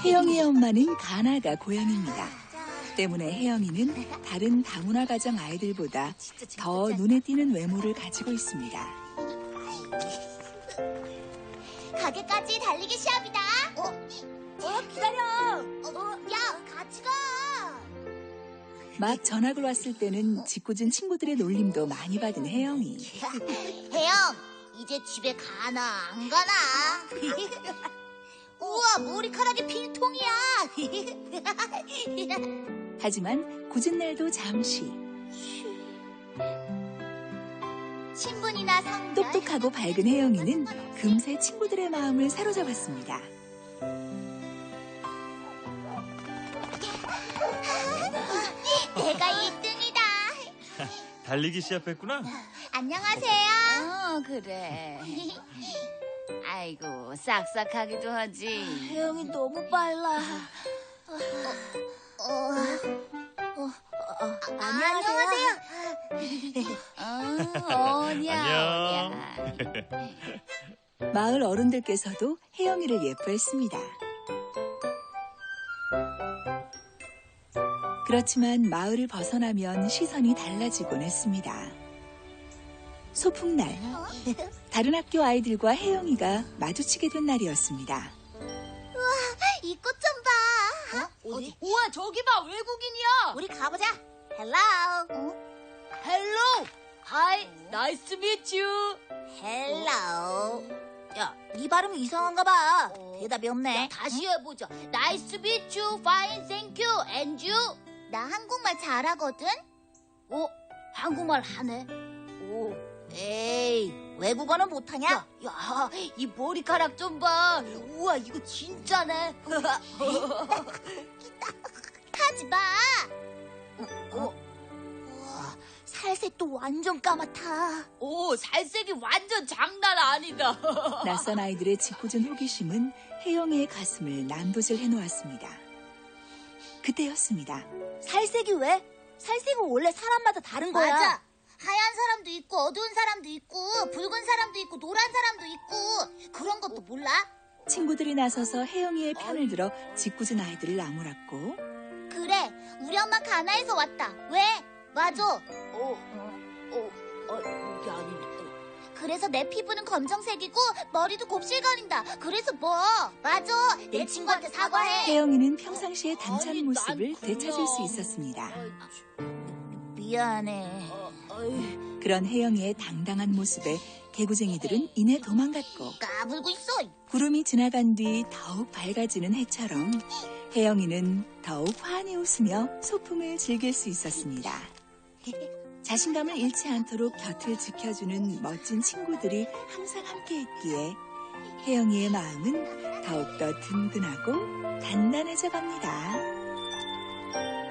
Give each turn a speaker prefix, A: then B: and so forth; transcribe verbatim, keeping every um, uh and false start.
A: 혜영이의 엄마는 가나가 고향입니다. 때문에 혜영이는 다른 다문화 가정 아이들보다 더 눈에 띄는 외모를 가지고 있습니다.
B: 가게까지 달리기 시합이다. 어, 어 기다려. 어, 야, 같이 가.
A: 막 전학을 왔을 때는 짓궂은 친구들의 놀림도 많이 받은 혜영이.
B: 혜영, 이제 집에 가나 안 가나? 우와, 머리카락이 빈통이야.
A: 하지만 굳은 날도 잠시.
B: 신분이나 성별.
A: 똑똑하고 밝은 혜영이는 금세 친구들의 마음을 사로잡았습니다.
B: 내가 일 등이다.
C: 달리기 시합했구나?
B: 안녕하세요.
D: 어, 그래. 아이고, 싹싹하기도 하지.
B: 혜영이 너무 빨라. 어, 어, 어, 안녕하세요.
D: 어, 오냐,
C: 안녕.
D: 오냐.
A: 마을 어른들께서도 혜영이를 예뻐했습니다. 그렇지만 마을을 벗어나면 시선이 달라지곤 했습니다. 소풍날, 다른 학교 아이들과 혜영이가 마주치게 된 날이었습니다.
B: 이 꽃 좀 봐. 어? 어디?
D: 우와, 저기 봐, 외국인이야.
B: 우리 가보자. 헬로. 어?
D: 헬로. 하이, 나이스 미츠 유.
B: 헬로. 야, 네 발음이 이상한가 봐. 대답이 없네.
D: 다시 해보자. 나이스 미츠 유, 파인, 땡큐, 앤 유.
B: 나 한국말 잘하거든.
D: 어, 한국말 하네.
B: 오. 에이, 외국어는 못하냐?
D: 야, 야, 이 머리카락 좀 봐. 우와, 이거 진짜네.
B: 하지 마. 어? 우와, 살색도 완전 까맣다.
D: 오, 살색이 완전 장난 아니다.
A: 낯선 아이들의 짓궂은 호기심은 혜영이의 가슴을 난도질 해놓았습니다. 그때였습니다.
B: 살색이 왜? 살색은 원래 사람마다 다른 거야. 맞아. 하얀 사람도 있고 어두운 사람도 있고 붉은 사람도 있고 노란 사람도 있고 그런 것도 몰라?
A: 친구들이 나서서 혜영이의 편을 들어 짓궂은 아이들을 나무랐고
B: 그래, 우리 엄마 가나에서 왔다. 왜? 맞아.
D: 어, 어, 어, 이게 아닌데.
B: 그래서 내 피부는 검정색이고 머리도 곱실거린다. 그래서 뭐? 맞아. 내 친구한테 사과해.
A: 혜영이는 평상시의 당찬
D: 아니,
A: 모습을
D: 난
A: 되찾을 수
D: 그냥-
A: 있었습니다.
B: 미안해.
A: 그런 혜영이의 당당한 모습에 개구쟁이들은 이내 도망갔고
B: 까불고 있어.
A: 구름이 지나간 뒤 더욱 밝아지는 해처럼 혜영이는 더욱 환히 웃으며 소풍을 즐길 수 있었습니다. 자신감을 잃지 않도록 곁을 지켜주는 멋진 친구들이 항상 함께했기에 혜영이의 마음은 더욱더 든든하고 단단해져 갑니다.